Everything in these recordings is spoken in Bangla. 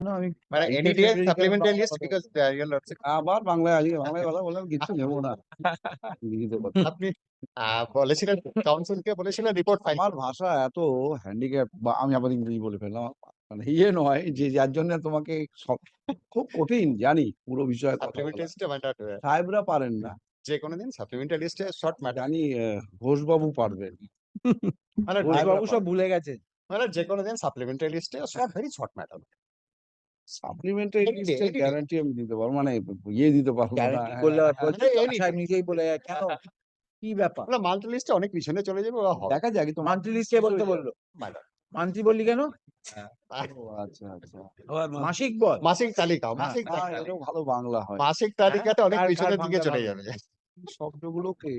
না আমি মানে NDTS supplemental list because you are not আবার বাংলায় কথা বললাম, কিচ্ছু নেবো না। লিখিত কথা। আপনি বলেছিলেন কাউন্সিলকে বলেছিলেন রিপোর্ট ফাইল আমার ভাষা এত হ্যান্ডিক্যাপ, বা আমি আবার ইংরেজি বলে ফেললাম, মানে নয় যে যার জন্য তোমাকে খুব কঠিন জানি পুরো বিষয়ে কথা সাপ্লিমেন্টারি বলা। লিস্টে মানে সাহেবরা পারেন না, যে কোনো দিন সাপ্লিমেন্টারি লিস্টে শর্ট ম্যাটার জানি ঘোষবাবু পারবেন। মানে ঘোষবাবু সব ভুলে গেছে। মানে যে কোনো দিন সাপ্লিমেন্টারি লিস্টে সব very short matter supplementary Any day, any day. Guarantee আমি দিতে পারবো, মানে দিতে পারবো না। গ্যারান্টি করলে আর বলছে মানে any সাহেব নিজেই বলে যায়, কেন কি ব্যাপার? না মাল্টি লিস্টে অনেক পিছনে চলে যাবে ওরা হবে দেখা যাক তো। মান্থলি লিস্ট কে বলতে বললো? ম্যাটার মান্থলি বললি কেন? আচ্ছা আচ্ছা, মাসিক বল। মাসিক তালিকা মাসিক না, তালিকা এটাও ভালো বাংলা হয়। মাসিক তালিকাটা অনেক কার পিছনের দিকে বাংলা চলে ভালো? যাবে শব্দগুলোকে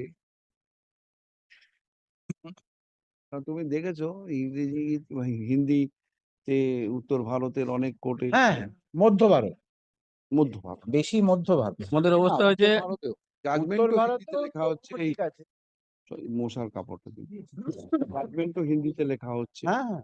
তুমি দেখেছো ইংরেজি হিন্দিতে উত্তর ভারতের অনেক কোর্টে, হ্যাঁ, মধ্য ভারত, মধ্য ভারত, বেশি মধ্য ভারত। আমাদের অবস্থা হয়েছে ভারতেও উত্তর জাজমেন্টও ভারত হিন্দিতে লেখা হচ্ছে, এই ঠিক আছে। মশার কাপড়টা দিবি, জাজমেন্টও হিন্দিতে লেখা হচ্ছে। হ্যাঁ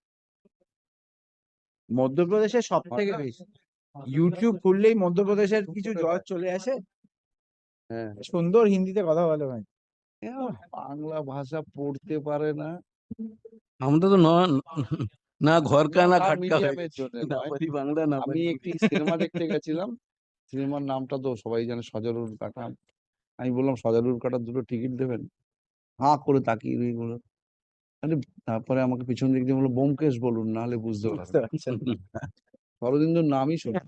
মধ্যপ্রদেশের সব থেকে বেশি। ইউটিউব খুললেই মধ্যপ্রদেশের কিছু জজ চলে আসে, হ্যাঁ, সুন্দর হিন্দিতে কথা বলে ভাই। বাংলা ভাষা পড়তে পারে না। আমাদের তো না ঘরকা না খাটকা হয়ে মিডিয়ামের গেছে। জন্য না নয়। পারি বাংলা না আমি পারি একটি সিনেমা দেখতে গেছিলাম, সিনেমার নামটা তো সবাই জানে, সজারুর কাটা। আমি বললাম সজারুর কাটার দুটো টিকিট দেবেন, হাঁ করে তাকিয়ে রয়ে গেলো। তারপরে আমাকে পিছন দিক দিয়ে বললো ব্যোমকেশ বলুন, নাহলে বুঝতে পারবেন না। শরদিন্দুর নামই শুনি।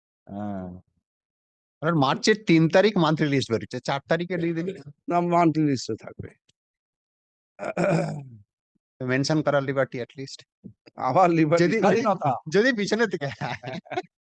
আর মার্চের 3 তারিখ মান্থলি লিস্ট বেরোচ্ছে 4 তারিখে দিয়ে দিবি না, মান্থলি লিস্টে থাকবে। মেনশন করার লিবার্টি লিস্ট আবার লিবার্টি যদি স্বাধীনতা। যদি পিছনে থেকে